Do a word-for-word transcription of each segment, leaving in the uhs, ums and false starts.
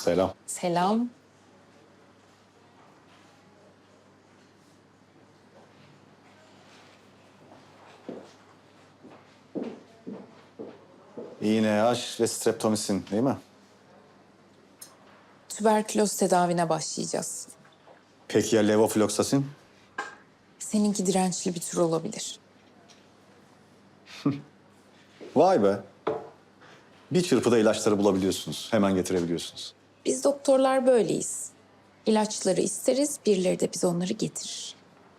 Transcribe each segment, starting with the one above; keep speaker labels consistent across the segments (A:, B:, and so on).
A: Selam.
B: Selam.
A: İğne, aş ve streptomisin değil mi?
B: Tüberküloz tedavine başlayacağız.
A: Peki ya levofloksasin?
B: Seninki dirençli bir tür olabilir.
A: Vay be. Bir çırpıda ilaçları bulabiliyorsunuz. Hemen getirebiliyorsunuz.
B: Biz doktorlar böyleyiz. İlaçları isteriz, birileri de biz onları getirir.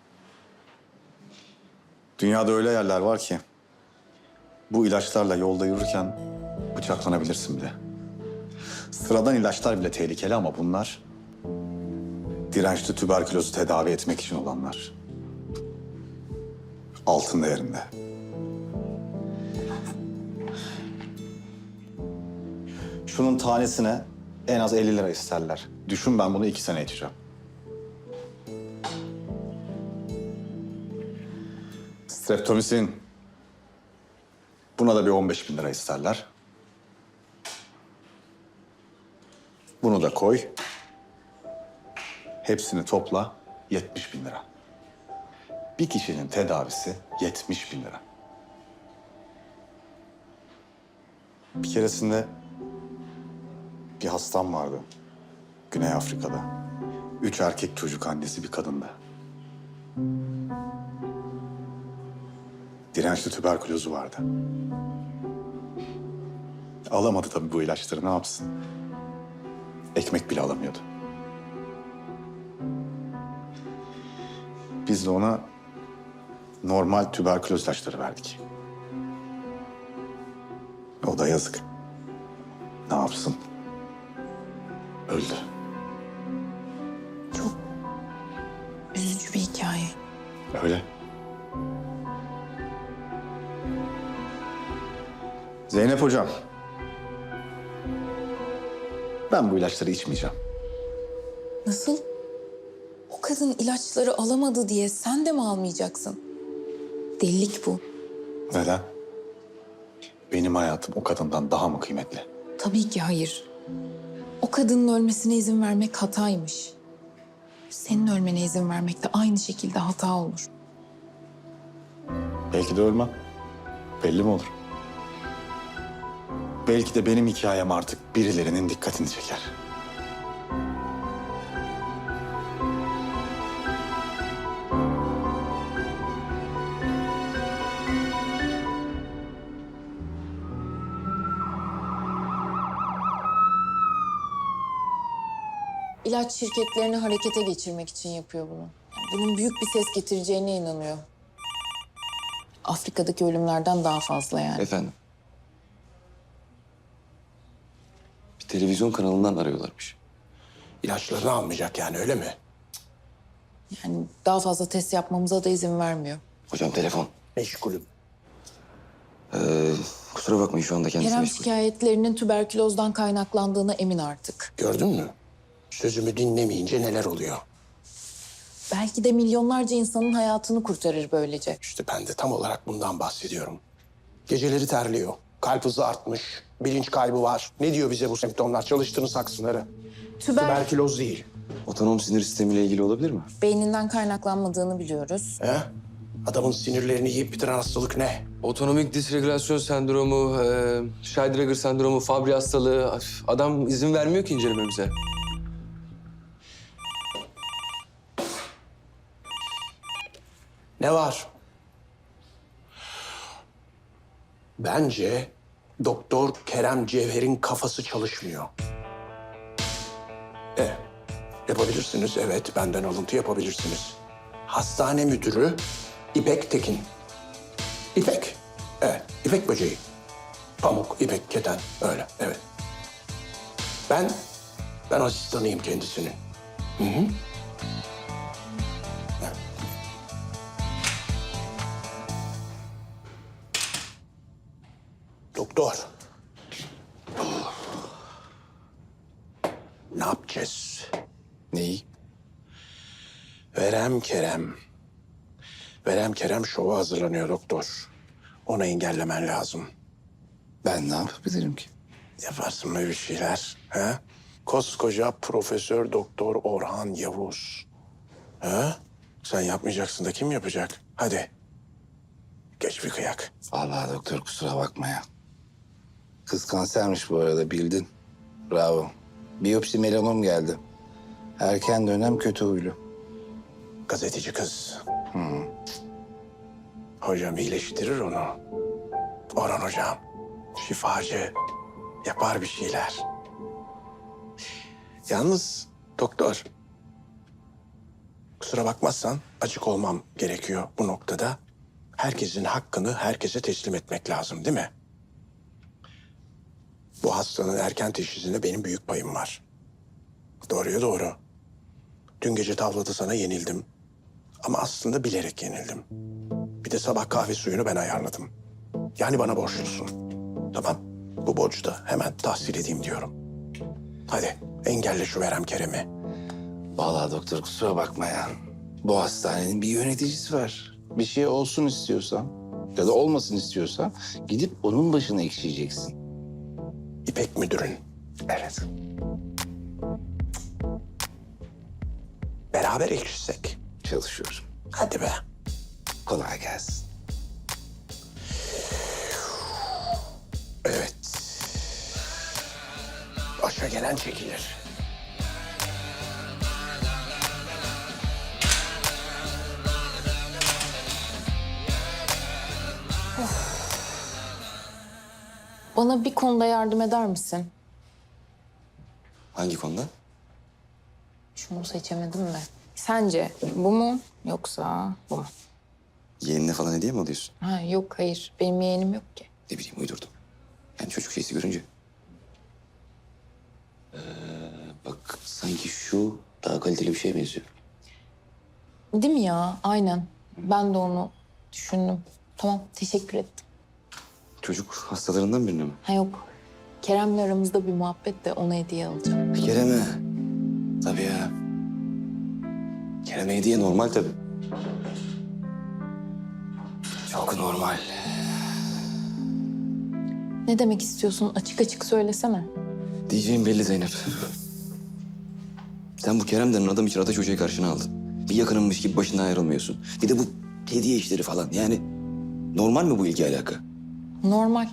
A: Dünyada öyle yerler var ki bu ilaçlarla yolda yürürken bıçaklanabilirsin bile. Sıradan ilaçlar bile tehlikeli ama bunlar dirençli tüberkülozu tedavi etmek için olanlar. Altın değerinde. Şunun tanesine en az elli lira isterler. Düşün, ben bunu iki sene içeceğim. Streptomisin. Buna da bir on beş bin lira isterler. Bunu da koy. Hepsini topla, yetmiş bin lira. Bir kişinin tedavisi yetmiş bin lira. Bir keresinde bir hastam vardı. Güney Afrika'da. Üç erkek çocuk annesi bir kadındı. Dirençli tüberkülozu vardı. Alamadı tabii bu ilaçları, ne yapsın? Ekmek bile alamıyordu. Biz de ona normal tüberküloz ilaçları verdik. O da yazık. Ne yapsın? Öldü.
B: Çok üzücü bir hikaye.
A: Öyle. Zeynep hocam. Ben bu ilaçları içmeyeceğim.
B: Nasıl? O kadın ilaçları alamadı diye sen de mi almayacaksın? Delilik bu.
A: Neden? Benim hayatım o kadından daha mı kıymetli?
B: Tabii ki hayır. O kadının ölmesine izin vermek hataymış. Senin ölmene izin vermek de aynı şekilde hata olur.
A: Belki de ölmem. Belli mi olur? Belki de benim hikayem artık birilerinin dikkatini çeker.
B: İlaç şirketlerini harekete geçirmek için yapıyor bunu. Bunun büyük bir ses getireceğine inanıyor. Afrika'daki ölümlerden daha fazla yani.
C: Efendim? Bir televizyon kanalından arıyorlarmış.
D: İlaçlarını almayacak yani, öyle mi?
B: Yani daha fazla test yapmamıza da izin vermiyor.
C: Hocam telefon.
D: Meşgulüm.
C: Ee, kusura bakmayın şu anda kendisi
B: Kerem
C: meşgul.
B: şikayetlerinin tüberkülozdan kaynaklandığına emin artık.
D: Gördün mü? Sözümü dinlemeyince neler oluyor?
B: Belki de milyonlarca insanın hayatını kurtarır böylece.
D: İşte ben de tam olarak bundan bahsediyorum. Geceleri terliyor. Kalp hızı artmış. Bilinç kaybı var. Ne diyor bize bu semptomlar? Çalıştığınız saksıları.
B: Tüber
D: Tüberküloz değil.
C: Otonom sinir sistemiyle ilgili olabilir mi?
B: beyninden kaynaklanmadığını biliyoruz.
D: He? Adamın sinirlerini yiyip bitiren hastalık ne?
E: Otonomik disregülasyon sendromu, e, Scheidegger sendromu, Fabry hastalığı. Af, adam izin vermiyor ki incelememize.
D: Ne var? Bence Doktor Kerem Cevher'in kafası çalışmıyor. E, yapabilirsiniz. Evet, benden alıntı yapabilirsiniz. Hastane müdürü İpek Tekin. İpek. Evet, İpek böceği. Pamuk, ipek, keten. Öyle, evet. Ben, ben asistanıyım kendisinin. Hı hı. Evet. Doktor. Ne yapacağız?
C: Neyi?
D: Verem Kerem. Verem Kerem şova hazırlanıyor doktor. Onu engellemen lazım.
C: Ben ne yapabilirim ki?
D: Yaparsın böyle bir şeyler. Ha? Koskoca Profesör Doktor Orhan Yavuz. Ha? Sen yapmayacaksın da kim yapacak? Hadi. Geç bir kıyak.
F: Vallahi doktor kusura bakma ya. Kız kansermiş bu arada bildin. Bravo. Biyopsi melanom geldi. Erken dönem kötü huylu.
D: Gazeteci kız. Hocam iyileştirir onu. Orhan hocam. Şifacı. Yapar bir şeyler. Yalnız doktor. Kusura bakmazsan açık olmam gerekiyor bu noktada. Herkesin hakkını herkese teslim etmek lazım değil mi? Bu hastanın erken teşhisinde benim büyük payım var. Doğruya doğru. Dün gece tavlada sana yenildim. Ama aslında bilerek yenildim. Bir de sabah kahve suyunu ben ayarladım. Yani bana borçlusun. Tamam. Bu borcu da hemen tahsil edeyim diyorum. Hadi engelle şu Verem Kerem'i.
F: Vallahi doktor kusura bakma ya. Bu hastanenin bir yöneticisi var. Bir şey olsun istiyorsan ya da olmasın istiyorsan gidip onun başına ekşiyeceksin.
D: İpek müdürün.
F: Evet.
D: Beraber ekşisek.
F: Çalışıyorum.
D: Hadi be.
F: Kolay gelsin.
D: Evet. Başa gelen çekilir.
B: Bana bir konuda yardım eder misin?
C: Hangi konuda?
B: Şunu seçemedim de. Sence bu mu yoksa bu mu?
C: Yeğenine falan hediye mi alıyorsun?
B: Ha, yok hayır. Benim yeğenim yok ki.
C: Ne bileyim uydurdum. Yani çocuk şeysi görünce. Ee, bak sanki şu daha kaliteli bir şeye benziyor.
B: Değil mi ya? Aynen. Ben de onu düşündüm. Tamam, teşekkür ettim.
C: Çocuk hastalarından birine mi?
B: Ha yok. Kerem'le aramızda bir muhabbet de ona hediye alacağım.
C: Kerem'e. Tabii ya. Kerem'e hediye normal tabii. Çok normal.
B: Ne demek istiyorsun? Açık açık söylesene.
C: Diyeceğim belli Zeynep. Sen bu Kerem denen adam için Ataç Hoca'yı karşına aldın. Bir yakınınmış gibi başından ayrılmıyorsun. Bir de bu hediye işleri falan. Yani normal mi bu ilgi alaka?
B: Normal.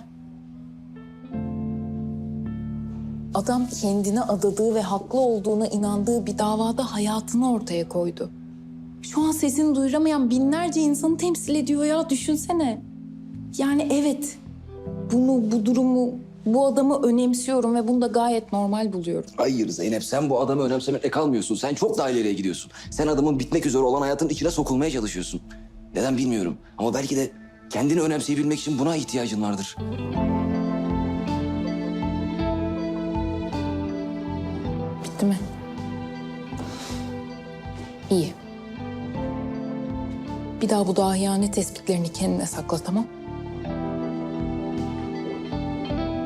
B: Adam kendine adadığı ve haklı olduğuna inandığı bir davada hayatını ortaya koydu. Şu an sesini duyuramayan binlerce insanı temsil ediyor ya, düşünsene. Yani evet, bunu, bu durumu, bu adamı önemsiyorum ve bunu da gayet normal buluyorum.
C: Hayır Zeynep, sen bu adamı önemsemekle kalmıyorsun. Sen çok daha ileriye gidiyorsun. Sen adamın bitmek üzere olan hayatın içine sokulmaya çalışıyorsun. Neden bilmiyorum ama belki de kendini önemseyebilmek için buna ihtiyacın vardır.
B: Bitti mi? İyi. Bir daha bu dahiyane tespitlerini kendine sakla, tamam?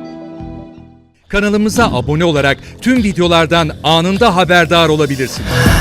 G: Kanalımıza abone olarak tüm videolardan anında haberdar olabilirsiniz.